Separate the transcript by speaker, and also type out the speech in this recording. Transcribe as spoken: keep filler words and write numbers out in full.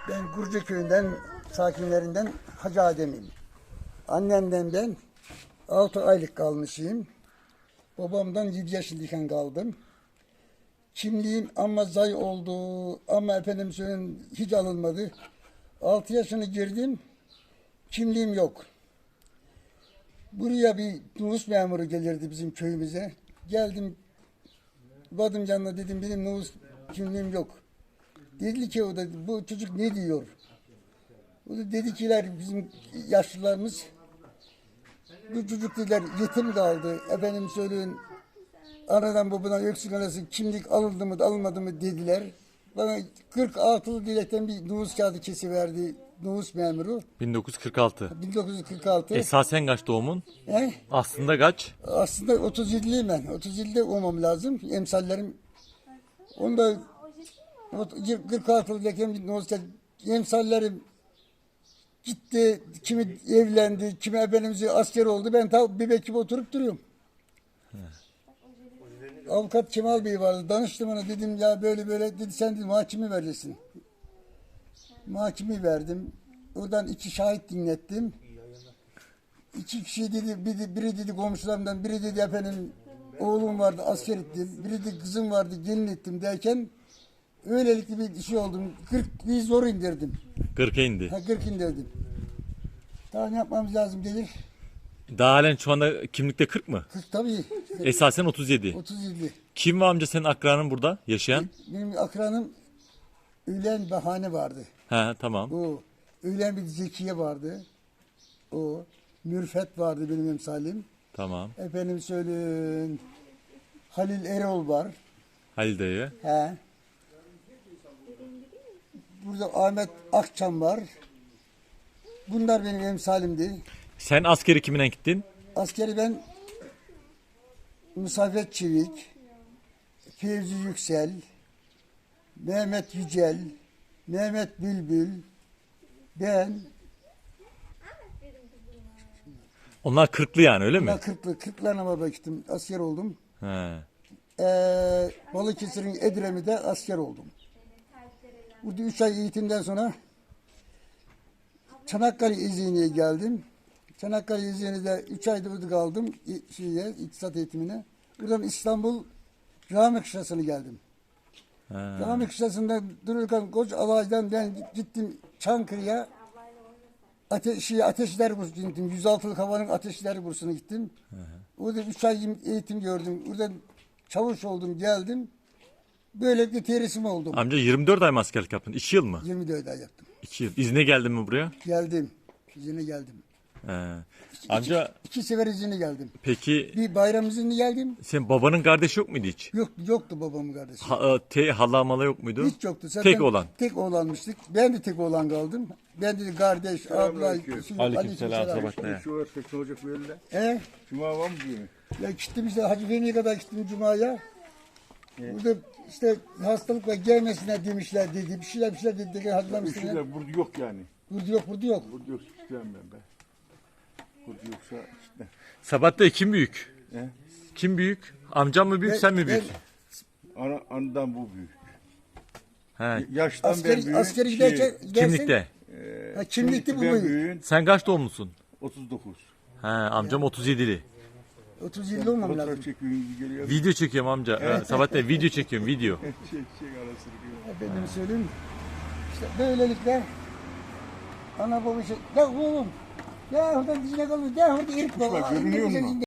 Speaker 1: Ben Gurcu köyünden sakinlerinden Hacı Adem'im. Annemden ben altı aylık kalmışım. Babamdan yedi yaşındayken kaldım. Kimliğim ama zay oldu ama efendim söyleyeyim hiç alınmadı. altı yaşını girdim. Kimliğim yok. Buraya bir nüfus memuru gelirdi bizim köyümüze. Geldim, vadım yanına dedim benim nüfus kimliğim yok. Dedi ki o da bu çocuk ne diyor? O da dedi kiler bizim yaşlılarımız bu çocuk dediler yetim kaldı. Efendim söyleyin anadan babadan öksük arası kimlik alındı mı alınmadı mı dediler. Bana kırk altılı dilekten bir nüfus kağıdı kesiverdi nüfus memuru.
Speaker 2: bin dokuz yüz kırk altı.
Speaker 1: bin dokuz yüz kırk altı.
Speaker 2: Esasen kaç doğumun?
Speaker 1: He?
Speaker 2: Aslında kaç?
Speaker 1: Aslında otuz yediliyim ben. otuz yedide olmam lazım. Emsallerim. Onda kırk altılı dilekten bir nüfus kağıdı. Emsallerim gitti, kimi evlendi, kimi efendimizi asker oldu. Ben ta bir bekip oturup duruyorum. He. Avukat Kemal Bey vardı. Danıştım ona dedim ya böyle böyle dedi sen dedim mahkemi vereceksin. Mahkemi verdim. Oradan iki şahit dinlettim. İki kişi dedi, biri, biri dedi komşularımdan, biri dedi efendim oğlum vardı asker ettim, biri de kızım vardı gelin ettim derken öylelikle bir şey oldum. kırkı zor indirdim.
Speaker 2: kırka indi.
Speaker 1: Ha, kırk indirdim. Daha ne yapmamız lazım gelir?
Speaker 2: Daha halen şu anda kimlikte kırk mı?
Speaker 1: kırk tabii.
Speaker 2: Esasen otuz yedi.
Speaker 1: otuz yedi.
Speaker 2: Kim var amca senin akranın burada yaşayan?
Speaker 1: Benim akranım Ülen Bahane vardı.
Speaker 2: He tamam.
Speaker 1: O Ülen bir Zekiye vardı. O Mürfet vardı benim emsalim.
Speaker 2: Tamam.
Speaker 1: Efendim söyleyin Halil Erol var.
Speaker 2: Halil dayı.
Speaker 1: He. Burada Ahmet Akçam var. Bunlar benim emsalimdi.
Speaker 2: Sen askeri kimine gittin?
Speaker 1: Askeri ben Musafet Çivik, Fevzi Yüksel, Mehmet Yücel, Mehmet Bülbül, ben.
Speaker 2: Onlar kırklı yani öyle mi?
Speaker 1: Ben kırklı, kırklarına baktım, asker oldum.
Speaker 2: He.
Speaker 1: Ee, Balıkesir'in Edremit'te asker oldum. Burada üç ay eğitimden sonra Çanakkale İzni'ye geldim. Çanakkale İzni'de üç ayda burada kaldım şeye, iktisat eğitimine. Buradan İstanbul Rami Kışlası'na geldim.
Speaker 2: He.
Speaker 1: Rami Kışlası'nda dururken koç alaydan ben gittim Çankırı'ya. Ateş, Ateşler Bursu'na gittim. yüz altılık havanın Ateşler Bursu'na gittim. Hı hı. Orada üç ay eğitim gördüm. Oradan çavuş oldum, geldim. Böylelikle tersim oldum.
Speaker 2: Amca yirmi dört ay mı askerlik yaptın? iki yıl mı?
Speaker 1: yirmi dört ay yaptım.
Speaker 2: iki yıl. İzne geldin mi buraya?
Speaker 1: Geldim. İzine geldim.
Speaker 2: He. Amca
Speaker 1: iki, iki sefer izine geldim.
Speaker 2: peki
Speaker 1: Bir bayram izinli geldim.
Speaker 2: senin babanın kardeşi yok muydu hiç?
Speaker 1: Yok, yoktu babamın kardeşi.
Speaker 2: Ha, te, hala mala yok muydu?
Speaker 1: Hiç yoktu. Zaten
Speaker 2: tek olan.
Speaker 1: Tek oğlanmıştık. Ben de tek oğlan kaldım. Ben de kardeş, abla,
Speaker 2: Aleykümselam. Sabah ne?
Speaker 3: Şu var teknolojik böyle.
Speaker 1: He?
Speaker 3: Cuma var mı diyor?
Speaker 1: Ya gittim işte Hacı Fehmi'ye kadar gittim Cuma'ya. Burada işte hastalıkla gelmesine demişler dedi. Bir şeyler bir şeyler dedi.
Speaker 3: Bir
Speaker 1: Hazırlamışlar.
Speaker 3: şeyler burada yok yani.
Speaker 1: Burada yok, burada yok.
Speaker 3: Burada yok istemem ben be. Burada yoksa işte.
Speaker 2: Sabatta kim büyük?
Speaker 3: He?
Speaker 2: Kim büyük? Amcam mı büyük
Speaker 1: Ben-
Speaker 2: sen mi büyük?
Speaker 3: Ana, anadan bu büyük.
Speaker 2: He.
Speaker 3: Yaştan ben
Speaker 1: Askeri,
Speaker 3: büyük.
Speaker 1: askeri
Speaker 3: şey,
Speaker 1: giderken, gidersen,
Speaker 2: Kimlikte.
Speaker 3: e,
Speaker 1: Ha, kimlikte bu
Speaker 3: ben
Speaker 1: büyük.
Speaker 3: büyüğün
Speaker 2: Sen kaç doğumlusun?
Speaker 3: otuz dokuz.
Speaker 2: He, amcam otuz yedili.
Speaker 1: otuz yılda olmam lazım.
Speaker 3: Fotoğraf çekiyorum geliyor.
Speaker 2: Video çekiyorum amca. He, Sabatta video çekiyorum video.
Speaker 3: Çek çek arasını diyor.
Speaker 1: Efendim söyleyeyim. İşte böylelikle ana baba şey. Ya oğlum. Ya orada dizine kalmış. Ya orada erik var.
Speaker 3: Kuşlar görünüyor mu?